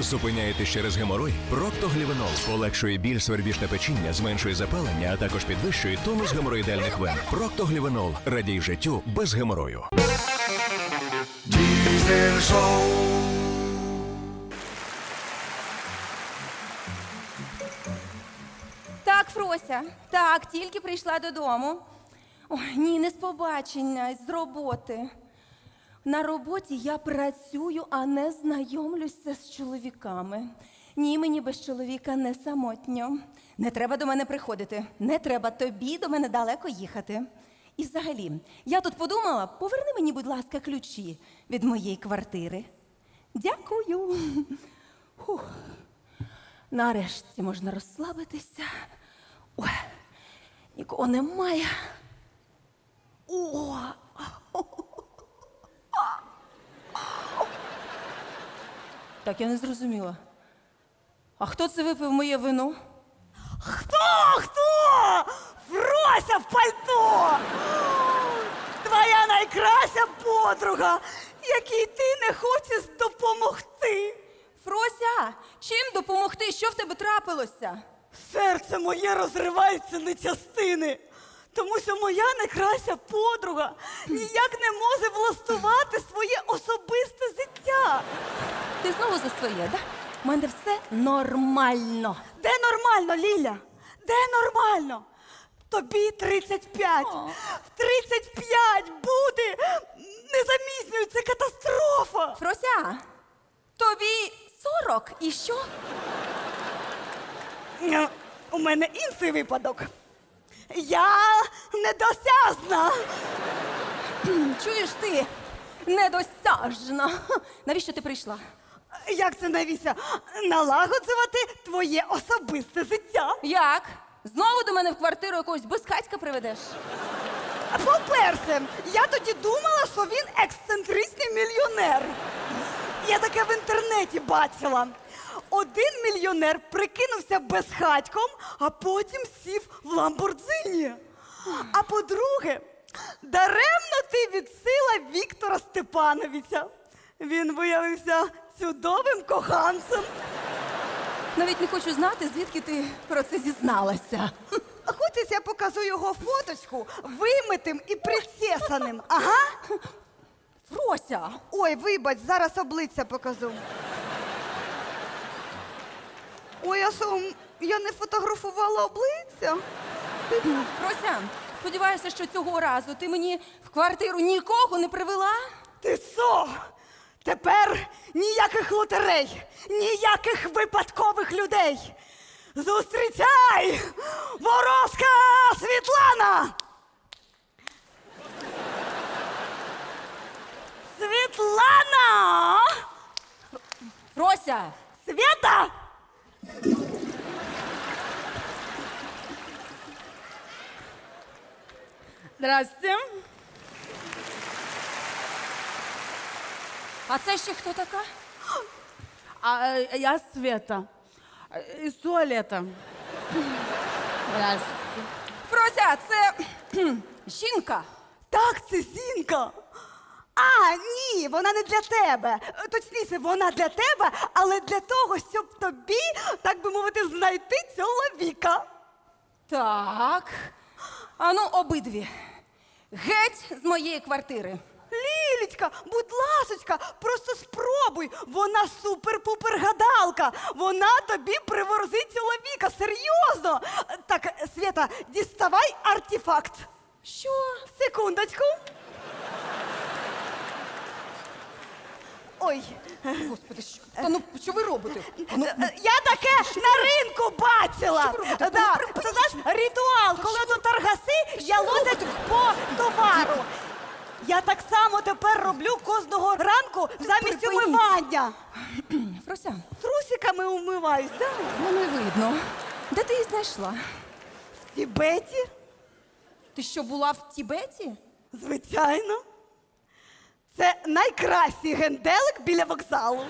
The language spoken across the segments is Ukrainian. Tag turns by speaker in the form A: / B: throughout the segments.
A: Зупиняєтесь через геморой? Проктоглівенол полегшує біль, свербіж та печіння, зменшує запалення, а також підвищує тонус геморроїдальних вен. Проктоглівенол. Радій життю без геморою.
B: Diesel Show.
C: Так, Фрося, так, тільки прийшла додому. Ой, ні, не з побачення, з роботи. На роботі я працюю, а не знайомлюся з чоловіками. Ні, мені без чоловіка не самотньо. Не треба до мене приходити. Не треба тобі до мене далеко їхати. І взагалі, я тут подумала, поверни мені, будь ласка, ключі від моєї квартири. Дякую. Фух. Нарешті можна розслабитися. Ой, нікого немає. О! Так, я не зрозуміла. А хто це випив моє вино?
D: Хто? Фрося в пальто! Твоя найкраща подруга, якій ти не хочеш допомогти.
C: Фрося, чим допомогти? Що в тебе трапилося?
D: Серце моє розривається на частини, тому що моя найкраща подруга ніяк не може влаштувати своє особисте життя.
C: Ти знову за своє, да? У мене все нормально.
D: Де нормально, Ліля? Де нормально? Тобі 35. В 35 бути незаміснюю. Це катастрофа.
C: Фрося, тобі 40 і що?
D: У мене інший випадок. Я недосяжна.
C: Чуєш ти? Недосяжна. Навіщо ти прийшла?
D: Як це, навіщо? Налагоджувати твоє особисте життя.
C: Як? Знову до мене в квартиру якогось безхатька приведеш?
D: По-перше, я тоді думала, що він ексцентричний мільйонер. Я таке в інтернеті бачила. Один мільйонер прикинувся безхатьком, а потім сів в Ламборджині. А по-друге, даремно ти відсила Віктора Степановича. Він виявився чудовим коханцем.
C: Навіть не хочу знати, звідки ти про це дізналася.
D: Хочеш, я покажу його фоточку вимитим і причесаним. Ага.
C: Фрося!
D: Ой, вибач, зараз обличчя покажу. Ой, а що, я не фотографувала обличчя?
C: Фрося, сподіваюся, що цього разу ти мені в квартиру нікого не привела?
D: Ти що? Тепер ніяких лотерей, ніяких випадкових людей. Зустрічай! Ворожка Світлана! Світлана!
C: Фрося!
D: Света! Здрасте.
C: А це ще хто така?
E: Я Света. Из туалета.
C: Фрося, це жінка.
D: Так, це Зінка. А, ні, вона не для тебе. Точніше, вона для тебе, але для того, щоб тобі, так би мовити, знайти чоловіка.
C: Так. Ану, обидві. Геть з моєї квартири.
D: Лілечка, будь ласочка, просто спробуй. Вона супер-пупер гадалка. Вона тобі приворозить чоловіка. Серйозно. Так, Света, діставай артефакт.
C: Що?
D: Секундочку. Ой,
C: Господи, що? Та ну, що ви робите? Ну,
D: я таке на ринку бачила.
C: Що ви робите?
D: Да. Ти знаєш, ритуал, коли тут торгаси ялозять по товару. Я так само тепер роблю кожного ранку замість
C: Припиніть.
D: умивання.
C: Фрося,
D: Трусиками умиваюсь, да?
C: ну не видно. Де ти її знайшла?
D: В Тібеті,
C: Ти що, була в Тібеті?
D: звичайно. Це найкращий генделик біля вокзалу.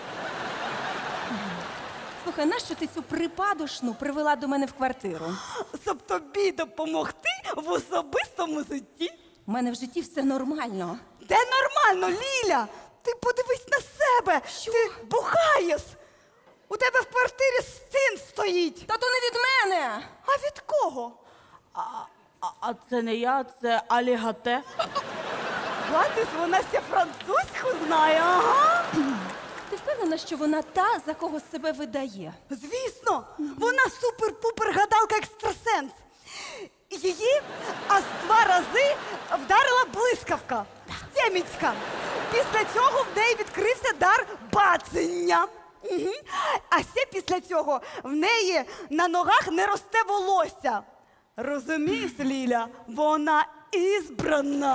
C: Слухай, нащо ти цю припадошну привела до мене в квартиру?
D: Щоб тобі допомогти в особистому житті.
C: У мене в житті все нормально.
D: Де нормально, Ліля? Ти подивись на себе.
C: Що?
D: Ти бухаєш. У тебе в квартирі син стоїть.
C: Та то не від мене.
D: А від кого?
E: А це не я, це алігате.
D: Бачиш, вона ще французьку знає, ага.
C: Ти впевнена, що вона та, за кого себе видає?
D: Звісно, вона супер-пупер гадалка екстрасенс. Її аж 2 рази вдарила блискавка. Теміцька. Після цього в неї відкрився дар бачення. Угу. А ще після цього в неї на ногах не росте волосся. Розумієш, Ліля, вона ізбрана.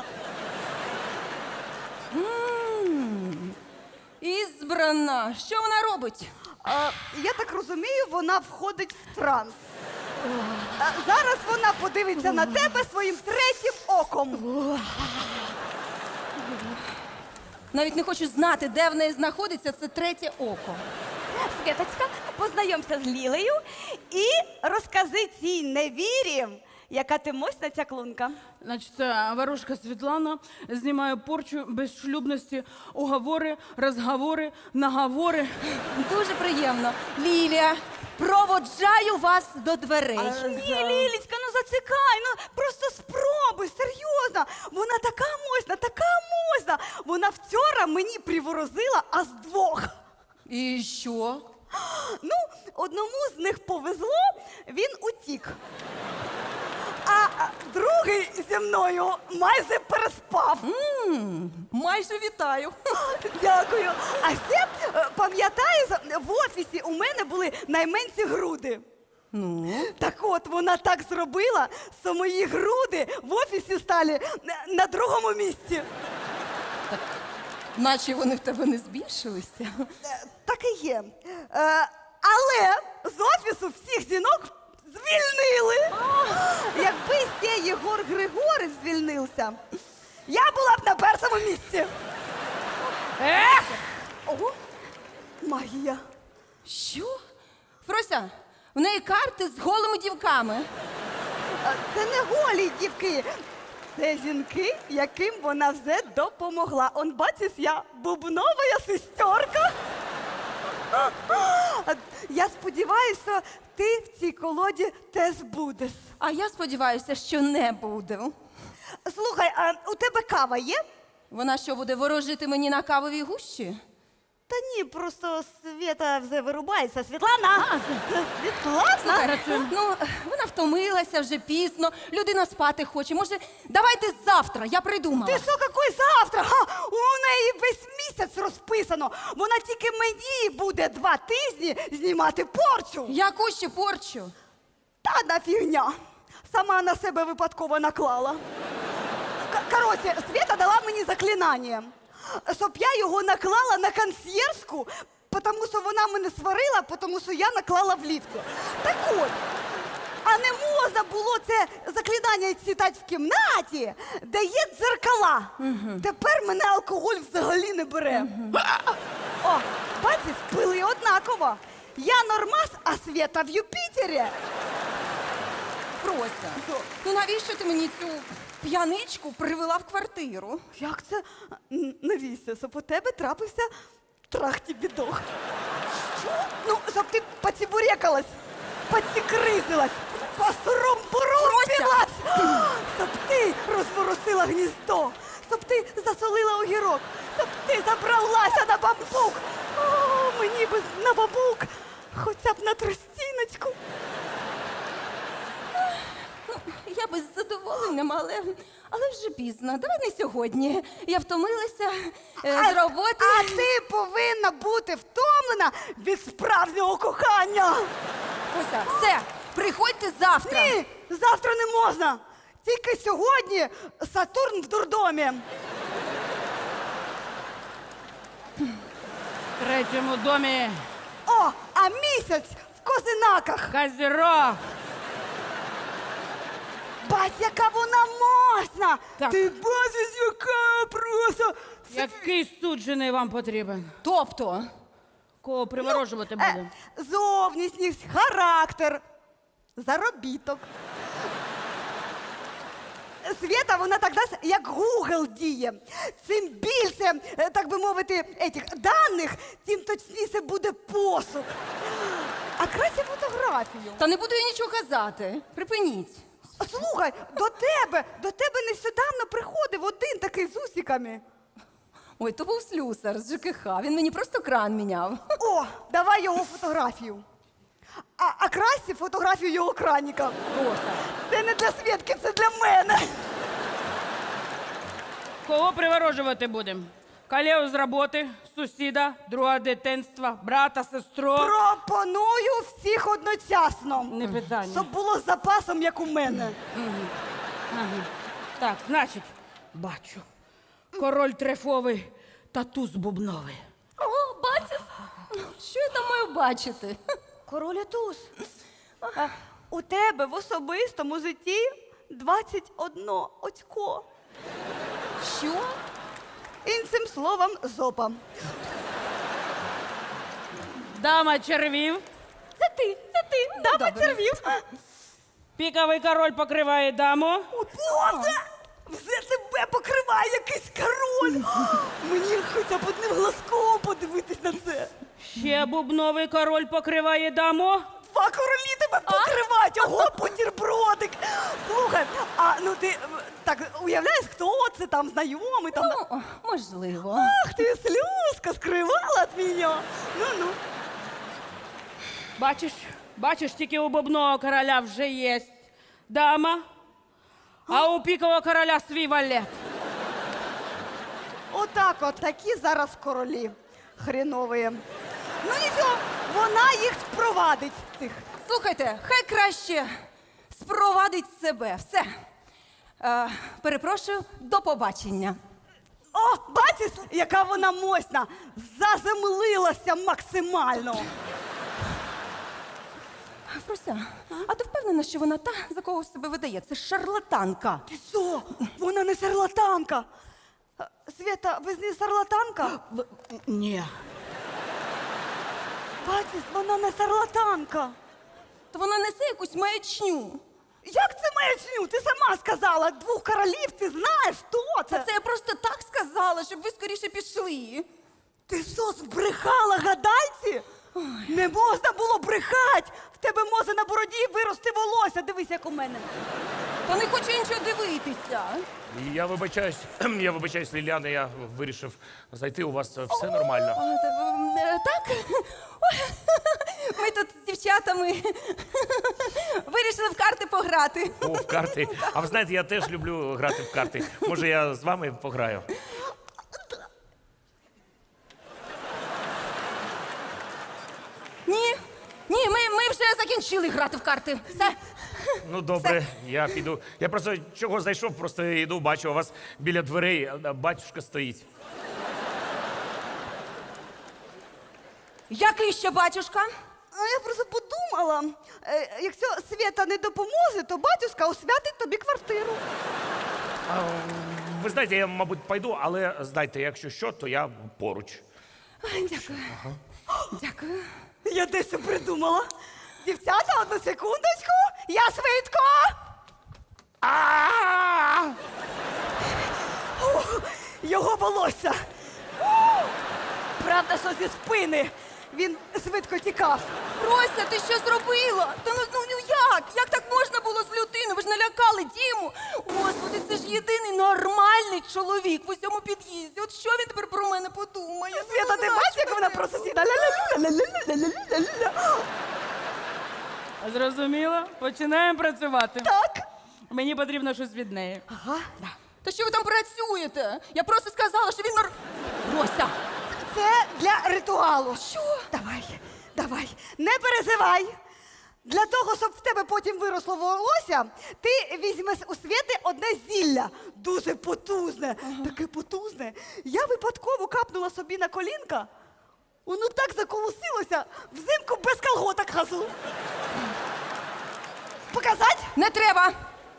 C: Ізбрана. Що вона робить?
D: Я так розумію, вона входить в транс. Зараз вона подивиться на тебе своїм 3-м оком.
C: Навіть не хочу знати, де в неї знаходиться це 3-е око.
D: Світочка, познайомся з Лілею і розкажи цій невірі, яка ти мощна ця клунка.
E: Значить, це ворожка Світлана знімає порчу безшлюбності, уговори, розговори, наговори.
C: Дуже приємно. Лілія, проводжаю вас до дверей.
D: Ні, Лілічка, ну зацікай, ну просто спробуй, серйозно. Вона така мощна, така мощна. Вона вчора мені приворозила аж 2.
C: І що?
D: Ну, одному з них повезло, він утік. А другий зі мною майже переспав.
C: Майже вітаю.
D: Дякую. А ще, пам'ятаєш, в офісі у мене були найменші груди.
C: Ну?
D: Так от, вона так зробила, що мої груди в офісі стали на 2-му місці.
C: Наче вони в тебе не збільшилися.
D: Так і є. Але з офісу всіх жінок звільнили. Якби ще Єгор Григорич звільнився, я була б на 1-му місці. Ого, магія.
C: Що? Фрося, в неї карти з голими дівками.
D: Це не голі дівки. Це жінки, яким вона вже допомогла. Он, бачиш, я бубнова сестерка. Я сподіваюся, що ти в цій колоді теж будеш.
C: А я сподіваюся, що не буду.
D: Слухай, а у тебе кава є?
C: Вона що, буде ворожити мені на кавовій гущі?
D: Та ні, просто Свята вже вирубається. Світлана! Світлана!
C: Ну, вона втомилася вже пізно, людина спати хоче. Може, давайте завтра, я придумала.
D: Ти що, який завтра? Ха, у неї весь місяць розписано. Вона тільки мені буде 2 тижні знімати порчу.
C: Яку ще порчу?
D: Та на фігня. Сама на себе випадково наклала. Коротше, Свята дала мені заклинання, щоб я його наклала на консьєржку, тому що вона мене сварила, тому що я наклала в ліфті. Так от, а не можна було це заклинання читати в кімнаті, де є дзеркала. Тепер мене алкоголь взагалі не бере. О, бачиш, пили однаково. Я нормас, а Свята в Юпітері.
C: Фрося, ну навіщо ти мені цю п'яничку привела в квартиру?
D: Як це? Навіщо? Щоб у тебе трапився трахті-бідох. Що? Ну, щоб ти поцібурекалась, поцікризилась, посоромбурумпілась, щоб ти розворусила гніздо, щоб ти засолила огірок, щоб ти забралася на бамбук. О, мені би на бамбук, хоча б на тростіночку.
C: Я би з задоволенням, але вже пізно. Давай не сьогодні. Я втомилася з роботи.
D: А ти повинна бути втомлена від справжнього кохання.
C: Фрося, все, приходьте завтра.
D: Ні, завтра не можна. Тільки сьогодні Сатурн в дурдомі.
E: В 3-му домі
D: О, а місяць в Козинаках.
E: Козірог.
D: Бать, яка вона мощна!
E: Так.
D: Ти бачиш, яка просто...
E: Який суджений вам потрібен?
C: Тобто,
E: Кого приворожувати буде?
D: Зовнішність, характер, заробіток. Свята, вона так дасть, як Google діє. Чим більше, так би мовити, етих даних, тим точніше буде посуд. фотографію.
C: Та не буду я нічого казати. Припиніть.
D: Слухай, до тебе нещодавно приходив один такий з усиками.
C: Ой, то був слюсар з ЖКХ. Він мені просто кран міняв.
D: О, давай його фотографію. А краще фотографію його краніка.
C: Роса.
D: Це не для Свєтки, це для мене.
E: Кого приворожувати будемо? Колегу з роботи, сусіда, друга дитинства, брата, сестру.
D: Пропоную всіх одночасно.
E: Не питання.
D: Щоб було з запасом, як у мене.
E: Так, значить, бачу. Король трефовий та туз бубновий.
C: О, бачиш? Що я там маю бачити?
D: Король туз. У тебе в особистому житті 21 очко.
C: Що?
D: Іншим словом, зопа.
E: Дама червів,
D: Це ти, дама
C: добре.
D: червів.
E: піковий король покриває даму.
D: О, Боже! Все тебе покриває якийсь король. Мені хоча б одним глазком подивитись на це.
E: Ще бубновий король покриває даму.
D: Два королі тебе покривають, ого, бутербродик. Слухай, ну ти так уявляєш, хто це там, знайомий там?
C: Ну, можливо.
D: Ах ти, слюзка, скривала від мене. Ну.
E: Бачиш, тільки у бубнового короля вже є дама, а у пікового короля свій валет.
D: Отак от, такі зараз королі хренові. Ну нічого, вона їх спровадить, цих.
C: Слухайте, хай краще спровадить себе. Все. Перепрошую, до побачення.
D: О, бачиш, яка вона мощна, заземлилася максимально.
C: Фрося, а ти впевнена, що вона та, за кого себе видає? Це шарлатанка.
D: Ти що? Вона не шарлатанка. Свята, ви з нею шарлатанка?
E: Ні.
D: Бачиш, вона не шарлатанка.
C: То вона несе якусь маячню.
D: Як це маячню? Ти сама сказала, двох королів, ти знаєш, хто це?
C: Це я просто так сказала, щоб ви скоріше пішли.
D: Ти що, збрехала гадайці? Не можна було брехати. В тебе може на бороді вирости волосся. Дивись, як у мене.
C: Та не хочу нічого дивитися.
B: Я вибачаюсь, Ліляна, я вирішив зайти, у вас все нормально.
C: Так? Ой, ми тут з дівчатами вирішили в карти пограти.
B: О, в карти. А ви знаєте, я теж люблю грати в карти. Може, я з вами пограю?
C: Ні, ми вже закінчили грати в карти. Все.
B: Ну, добре, я піду. Я просто чого зайшов, просто йду, бачу, у вас біля дверей батюшка стоїть.
C: Який ще батюшка?
D: А я просто подумала, якщо Свята не допоможе, то батюшка освятить тобі квартиру.
B: Ви знаєте, я, мабуть, пойду, але знайте, якщо що, то я поруч.
C: Ой, дякую. Дякую.
D: Я дещо придумала. Дівчата, одну секундочку, я швидко. О, його волосся. Правда, що зі спини. Він швидко тікав.
C: Рося, ти що зробила? Та ну як? Як так можна було з людиною? Ви ж налякали Діму. Господи, це ж єдиний нормальний чоловік в усьому під'їзді. От що він тепер про мене подумає?
D: Свята, ти бачиш, як вона про сусіда? Ля-ля-ля-ля-ля-ля-ля-ля-ля.
E: Зрозуміло? Починаємо працювати.
D: Так.
E: Мені потрібно щось від неї.
D: Ага.
C: Та що ви там працюєте? Я просто сказала, що він Рося!
D: Це для ритуалу.
C: Що?
D: Давай, не переживай. Для того, щоб в тебе потім виросло волосся, ти візьмеш у Свєти одне зілля. Дуже потужне. Таке потужне. Я випадково капнула собі на колінка. Воно так заколосилося, взимку без колготок хожу. Показать?
C: Не треба!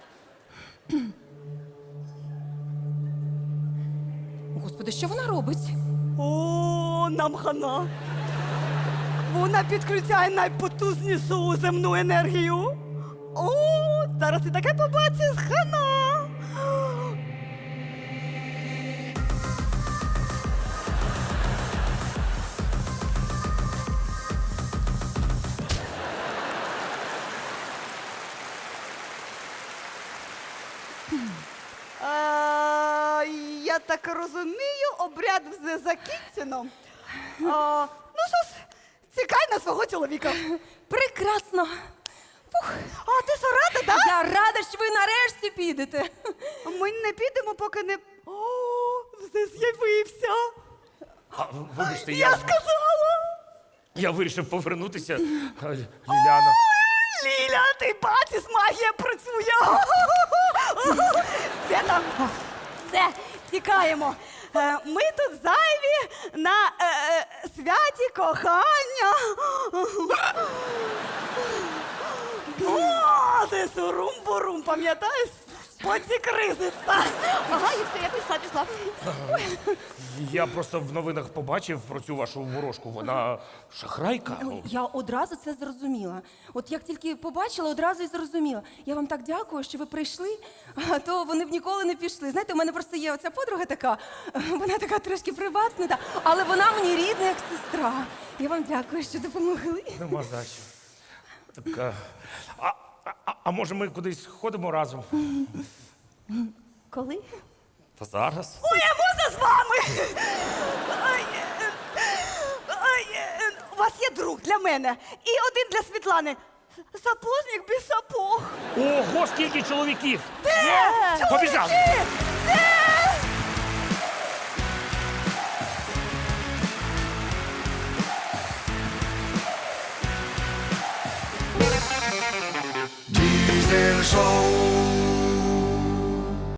C: Господи, що вона робить?
D: О, нам хана. Вона підключає найпотужнішу земну енергію. О, зараз ти таке побачиш, хана. я так розумію, обряд вже закінчено. Ну що ж, чекай на свого чоловіка.
C: Прекрасно. Фух.
D: А ти що, рада, так?
C: Я рада, що ви нарешті підете.
D: Ми не підемо, поки не... О, вже з'явився.
B: Вибачте,
D: Я сказала.
B: я вирішив повернутися. Ліляна.
D: Ліля, ти бачиш, магія працює. Свята, все, тікаємо. Ми тут зайві на святі кохання. О, це сурум-бурум, пам'ятаєш? Поці кризиться. Ага, і все, я пішла.
B: Я просто в новинах побачив про цю вашу ворожку. Вона шахрайка.
C: Я одразу це зрозуміла. От як тільки побачила, одразу і зрозуміла. Я вам так дякую, що ви прийшли, а то вони б ніколи не пішли. Знаєте, у мене просто є оця подруга така, вона така трошки приватна, але вона мені рідна, як сестра. Я вам дякую, що допомогли.
B: Нема за що. Так, а може ми кудись ходимо разом?
C: Коли?
B: Та зараз.
D: Ой, я можна з вами? У вас є друг для мене і один для Світлани. Сапожник без сапог.
B: Ого, скільки чоловіків!
D: Де?
B: Побіжали!
D: Чоловіки!